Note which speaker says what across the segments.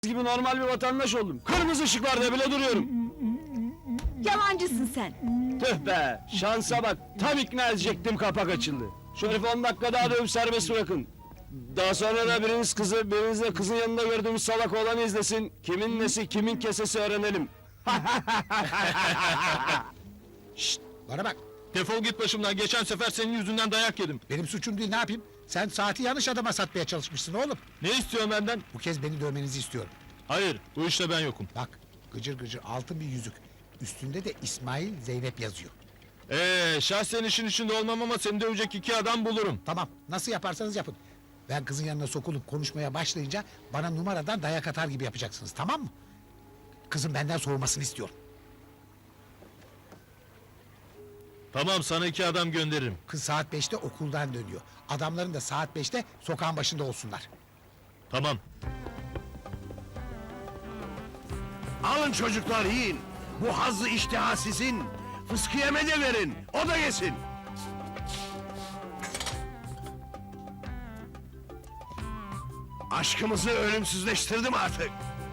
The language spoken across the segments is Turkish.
Speaker 1: gibi normal bir vatandaş oldum. Kırmızı ışıklarda bile duruyorum.
Speaker 2: Yalancısın sen.
Speaker 1: Tüh be, şansa bak. Tam ikna edecektim, kapak açıldı. Şu herifi 10 dakika daha dövüp serbest bırakın. Daha sonra da biriniz de kızın yanında gördüğümüz salak olanı izlesin. Kimin nesi, kimin kesesi öğrenelim.
Speaker 3: Şşt, bana bak.
Speaker 4: Defol git başımdan. Geçen sefer senin yüzünden dayak yedim.
Speaker 3: Benim suçum değil, ne yapayım? Sen saati yanlış adama satmaya çalışmışsın oğlum.
Speaker 4: Ne istiyorsun benden?
Speaker 3: Bu kez beni dövmenizi istiyorum.
Speaker 4: Hayır, bu işte ben yokum.
Speaker 3: Bak, gıcır gıcır altın bir yüzük. Üstünde de İsmail Zeynep yazıyor.
Speaker 4: Şahsen işin içinde olmam ama seni dövecek 2 adam bulurum.
Speaker 3: Tamam, nasıl yaparsanız yapın. Ben kızın yanına sokulup konuşmaya başlayınca bana numaradan dayak atar gibi yapacaksınız, tamam mı? Kızın benden soğumasını istiyorum.
Speaker 4: Tamam, sana 2 adam gönderirim.
Speaker 3: Kız saat 5'te okuldan dönüyor. Adamların da saat 5'te sokağın başında olsunlar.
Speaker 4: Tamam.
Speaker 5: Alın çocuklar, yiyin. Bu hazzı iştiha sizin. Fıskiyeme de verin, o da yesin. Aşkımızı ölümsüzleştirdim artık.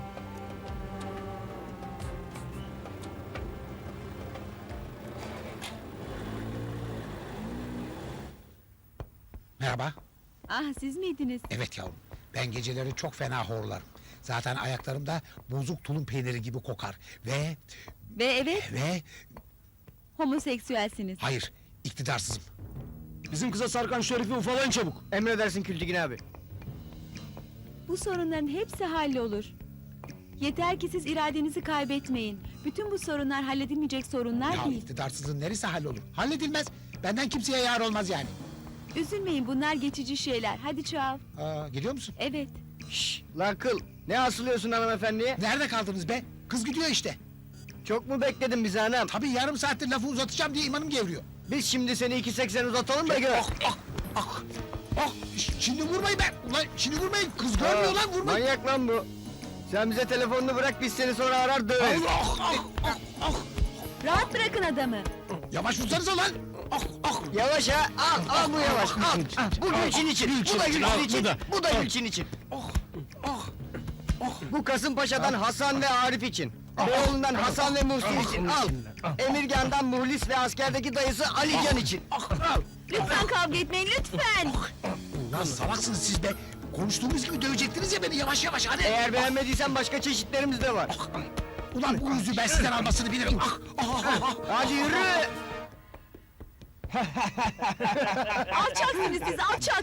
Speaker 3: Merhaba.
Speaker 2: Ah, siz miydiniz?
Speaker 3: Evet yavrum, ben geceleri çok fena horlarım. Zaten ayaklarım da bozuk tulum peyniri gibi kokar.
Speaker 2: Ve evet, homoseksüelsiniz.
Speaker 3: Hayır, iktidarsızım.
Speaker 1: Bizim kıza sarkan şu herifi ufalayın çabuk.
Speaker 6: Emredersin Kültigin abi.
Speaker 2: Bu sorunların hepsi hallolur. Yeter ki siz iradenizi kaybetmeyin. Bütün bu sorunlar halledilmeyecek sorunlar
Speaker 3: Ya
Speaker 2: değil.
Speaker 3: iktidarsızlığın neresi hallolur? Halledilmez. Benden kimseye yar olmaz yani.
Speaker 2: Üzülmeyin, bunlar geçici şeyler. Hadi çal.
Speaker 3: Geliyor musun?
Speaker 2: Evet.
Speaker 6: Şşş, lan kıl. Ne asılıyorsun hanımefendiye?
Speaker 3: Nerede kaldınız be? Kız gidiyor işte.
Speaker 6: Çok mu bekledin bizi anam?
Speaker 3: Tabii yarım saattir lafı uzatacağım diye imanım gevriyor.
Speaker 6: Biz şimdi seni 2.80 uzatalım da gör.
Speaker 3: Şimdi vurmayın be! Ulan şimdi vurmayın! Kız görmüyor lan, vurmayın!
Speaker 6: Manyak lan bu. Sen bize telefonunu bırak, biz seni sonra arar döveriz.
Speaker 2: Rahat bırakın adamı.
Speaker 3: Yavaş vursanıza lan!
Speaker 6: Yavaş ha, al bu yavaş, al. Bu Gülçin için, bu da Gülçin için, bu da Gülçin için. Bu Kasımpaşa'dan Hasan ve Arif için. Beyoğlu'ndan Hasan ve Muhsin için, al. Emirgan'dan Muhlis ve askerdeki dayısı Alican için.
Speaker 2: Lütfen kavga etmeyin, lütfen.
Speaker 3: Ulan salaksınız siz be! Konuştuğumuz gibi dövecektiniz ya beni, yavaş yavaş hadi!
Speaker 6: Eğer beğenmediysen başka çeşitlerimiz de var.
Speaker 3: Ulan bu yüzü ben sizden almasını bilirim!
Speaker 6: Hadi yürü!
Speaker 2: Alçaksınız siz, alçak.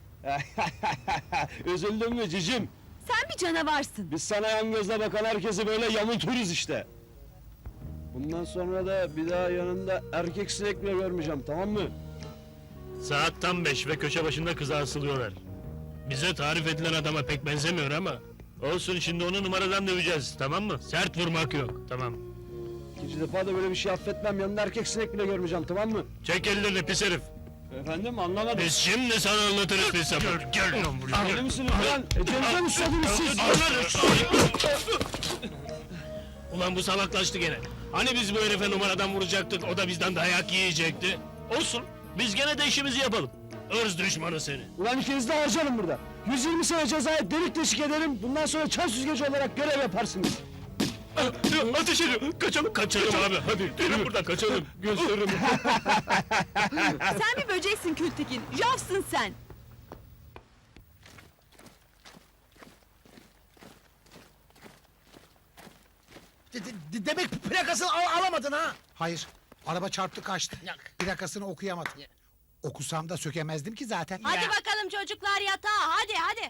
Speaker 1: Üzüldün mü cicim?
Speaker 2: Sen bir canavarsın.
Speaker 1: Biz sana yan gözle bakan herkesi böyle yamulturuz işte. Bundan sonra da bir daha yanında erkek sinek bile görmeyeceğim, tamam mı?
Speaker 7: Saat tam 5 ve köşe başında kıza asılıyorlar. Bize tarif edilen adama pek benzemiyor ama... Olsun, şimdi onu numaradan döveceğiz, tamam mı? Sert vurmak yok, tamam.
Speaker 1: İkinci defa da böyle bir şey affetmem, yanında erkek sinek bile görmeyeceğim, tamam mı?
Speaker 7: Çek ellerini pis herif!
Speaker 1: Efendim, anlamadım.
Speaker 7: Biz şimdi sana anlatırız pis sapık! Gel lan buraya!
Speaker 1: Deli misiniz lan? Ecelden mi susadınız siz?
Speaker 7: Ulan bu salaklaştı gene! Hani biz bu herife numaradan vuracaktık, o da bizden dayak yiyecekti? Olsun, biz gene de işimizi yapalım! Irz düşmanı seni!
Speaker 1: Ulan ikinizi de harcarım burada. 120 sene cezaya delik deşik ederim. Bundan sonra çan süzgeci olarak görev yaparsınız.
Speaker 7: Ateş ediyor! Kaçalım! Kaçalım abi, hadi! Yürü buradan, kaçalım!
Speaker 1: Gösteririm.
Speaker 2: Sen bir böceksin Kültekin, javsın sen.
Speaker 3: Demek plakasını alamadın ha? Hayır, araba çarptı kaçtı. Plakasını okuyamadım. Okusam da sökemezdim ki zaten.
Speaker 2: Hadi bakalım çocuklar yatağa, hadi.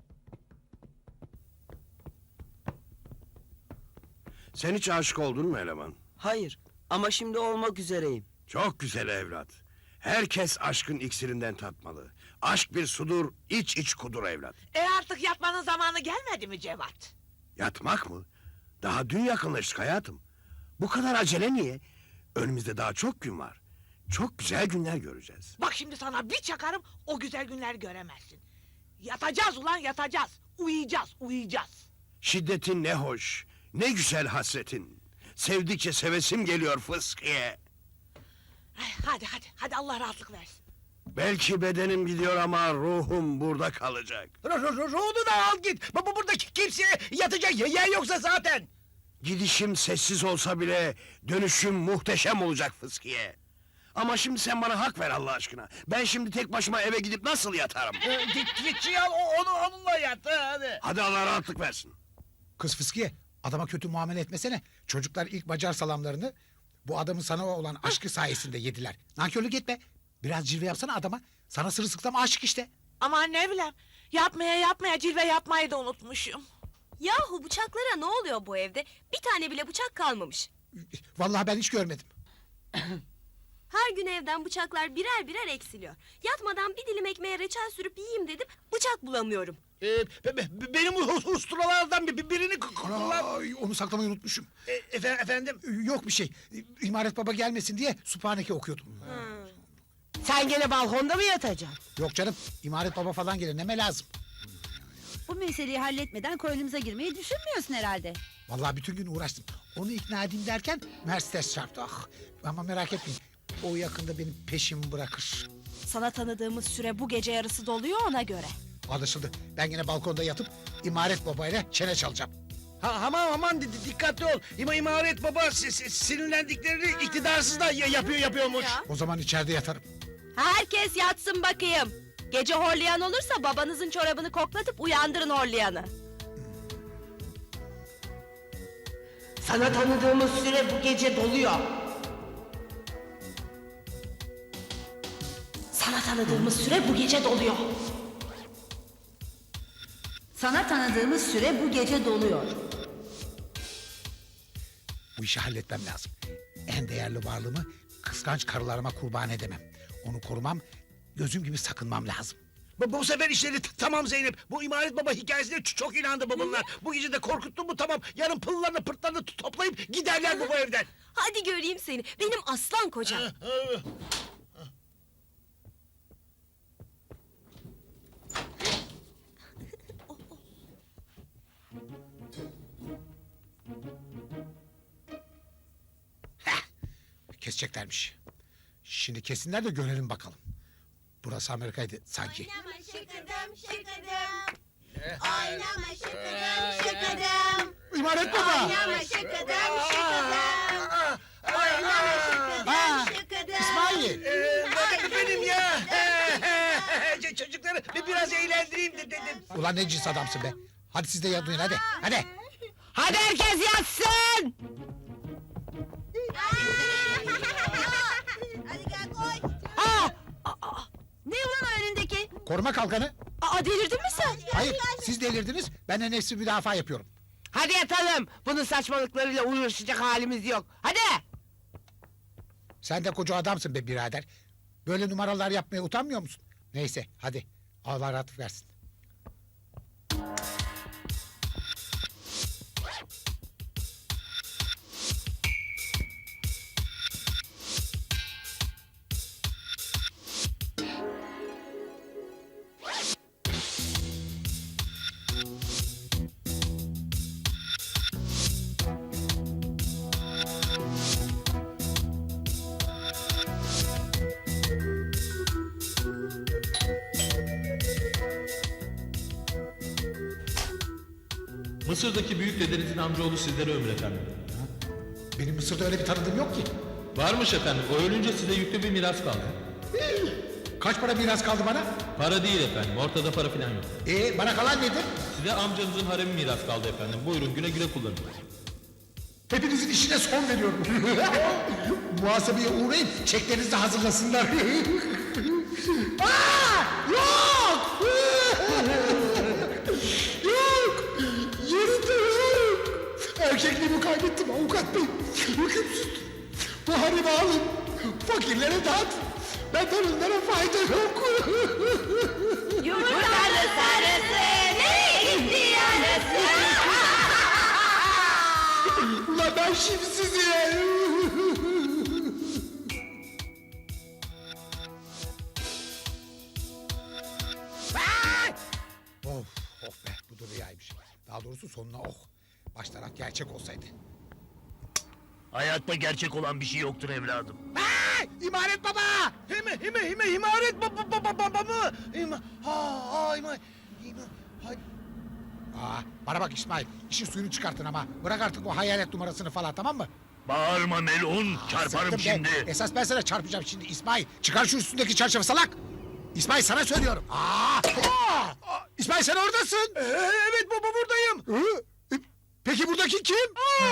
Speaker 5: Sen hiç aşık oldun mu eleman?
Speaker 8: Hayır ama şimdi olmak üzereyim.
Speaker 5: Çok güzel evlat. Herkes aşkın iksirinden tatmalı. Aşk bir sudur, iç iç kudur evlat.
Speaker 9: Artık yatmanın zamanı gelmedi mi Cevat?
Speaker 5: Yatmak mı? Daha dün yakınlaştık hayatım. Bu kadar acele niye? Önümüzde daha çok gün var. Çok güzel günler göreceğiz.
Speaker 9: Bak şimdi sana bir çakarım, o güzel günler göremezsin. Yatacağız ulan, yatacağız. Uyuyacağız.
Speaker 5: Şiddetin ne hoş, ne güzel hasretin. Sevdikçe sevesim geliyor fıskiye.
Speaker 9: Hadi Allah rahatlık versin.
Speaker 5: Belki bedenim gidiyor ama ruhum burada kalacak.
Speaker 3: Ruhunu da al git. Burada kimseye yatacak yer yoksa zaten.
Speaker 5: Gidişim sessiz olsa bile dönüşüm muhteşem olacak Fıskiye. Ama şimdi sen bana hak ver Allah aşkına. Ben şimdi tek başıma eve gidip nasıl yatarım?
Speaker 3: Git al onunla yat hadi.
Speaker 5: Hadi Allah rahatlık versin.
Speaker 3: Kız Fıskiye, adama kötü muamele etmesene. Çocuklar ilk Macar salamlarını bu adamın sana olan aşkı sayesinde yediler. Nankörlük etme. Biraz cilve yapsana adama. Sana sırılsıklam aşık işte.
Speaker 9: Aman ne bileyim. Yapmaya cilve yapmayı da unutmuşum.
Speaker 10: Yahu bıçaklara ne oluyor bu evde? Bir tane bile bıçak kalmamış.
Speaker 3: Vallahi ben hiç görmedim.
Speaker 10: Her gün evden bıçaklar birer birer eksiliyor. Yatmadan bir dilim ekmeğe reçel sürüp yiyeyim dedim, bıçak bulamıyorum.
Speaker 3: Benim usturalardan birini kullan. Ay, onu saklamayı unutmuşum. Efendim? Yok bir şey. İmaret baba gelmesin diye Sübhaneke okuyordum.
Speaker 9: Sen gene balkonda mı yatacaksın?
Speaker 3: Yok canım, İmaret baba falan gelir, neme lazım.
Speaker 2: Bu meseleyi halletmeden koynumuza girmeyi düşünmüyorsun herhalde.
Speaker 3: Vallahi bütün gün uğraştım. Onu ikna edeyim derken Mercedes çarptı. Ah, ama merak etmeyin. O yakında benim peşimi bırakır.
Speaker 10: Sana tanıdığımız süre bu gece yarısı doluyor ona göre.
Speaker 3: Anlaşıldı. Ben yine balkonda yatıp İmaret babayla çene çalacağım.
Speaker 5: Aman dikkatli ol. İmaret baba sinirlendiklerini iktidarsız da yapıyormuş.
Speaker 3: O zaman içeride yatarım.
Speaker 10: Herkes yatsın bakayım. Gece horlayan olursa babanızın çorabını koklatıp uyandırın horlayanı.
Speaker 9: Sana tanıdığımız süre bu gece doluyor.
Speaker 10: Sana tanıdığımız süre bu gece doluyor.
Speaker 2: Sana tanıdığımız süre bu gece doluyor.
Speaker 3: Bu işi halletmem lazım. En değerli varlığımı kıskanç karılarıma kurban edemem. Onu korumam, gözüm gibi sakınmam lazım.
Speaker 5: Bu sefer işleri tamam Zeynep. Bu İmaret baba hikayesine çok inandı bunlar. Bu gece de korkuttun mu tamam. Yarın pıllarını pırtlarını toplayıp giderler bu evden.
Speaker 10: Hadi göreyim seni, benim aslan kocam.
Speaker 3: Keseceklermiş. Şimdi kesinler de görelim bakalım. Burası Amerika'ydı sanki.
Speaker 10: Oynama şıkıdım şıkıdım. Oynama şıkıdım şıkıdım.
Speaker 3: İmaret baba!
Speaker 10: Oynama şıkıdım şıkıdım. Oynama şıkıdım şıkıdım.
Speaker 3: İsmail!
Speaker 5: Benim ya. Çocukları biraz eğlendireyim dedim.
Speaker 3: Ulan ne cins adamsın be. Hadi siz de yatın hadi. Hadi.
Speaker 9: Hadi herkes yatsın.
Speaker 10: Hadi gel koş.
Speaker 2: Ne ulan o önündeki?
Speaker 3: Koruma kalkanı.
Speaker 10: Delirdin mi sen?
Speaker 3: Hayır siz delirdiniz. Ben de nefsi müdafaa yapıyorum.
Speaker 9: Hadi yatalım. Bunun saçmalıklarıyla uğraşacak halimiz yok. Hadi.
Speaker 3: Sen de koca adamsın be birader. Böyle numaralar yapmaya utanmıyor musun? Neyse hadi. Allah rahatlık versin.
Speaker 4: Mısır'daki büyük dedenizin amcaoğlu sizlere ömür efendim.
Speaker 3: Benim Mısır'da öyle bir tanıdığım yok ki.
Speaker 4: Varmış efendim. O ölünce size yüklü bir miras kaldı.
Speaker 3: Kaç para miras kaldı bana?
Speaker 4: Para değil efendim. Ortada para falan yok.
Speaker 3: Bana kalan nedir?
Speaker 4: Size amcanızın haremi miras kaldı efendim. Buyurun güle güle kullanın.
Speaker 3: Hepinizin işine son veriyorum. Muhasebeye uğrayın, çeklerinizi de hazırlasınlar. Yok! Yok! Yerinde yok! Erkekliğimi kaybettim avukat bey. Hükümsüz. Bu harimi alın. Fakirlere dağıt. Benden onlara fayda yok.
Speaker 10: Yumurtanın sarısı, nereye gitti yarısı?
Speaker 3: Ulan ben şimdi sizi... Of be bu da rüyaymış. Daha doğrusu sonuna Baş taraf gerçek olsaydı.
Speaker 7: Hayatta gerçek olan bir şey yoktur evladım.
Speaker 9: Aa!
Speaker 3: İmaret baba!
Speaker 5: İmaret baba mı?
Speaker 3: Bana bak İsmail, işin suyunu çıkartın ama. Bırak artık o hayalet numarasını falan, tamam mı?
Speaker 7: Bağırma Melun, çarparım
Speaker 3: Sıktım be.
Speaker 7: şimdi.
Speaker 3: Esas ben sana çarpacağım şimdi İsmail. Çıkar şu üstündeki çarşafı salak! İsmail sana söylüyorum. İsmail sen oradasın.
Speaker 5: Evet baba buradayım.
Speaker 3: Peki buradaki kim?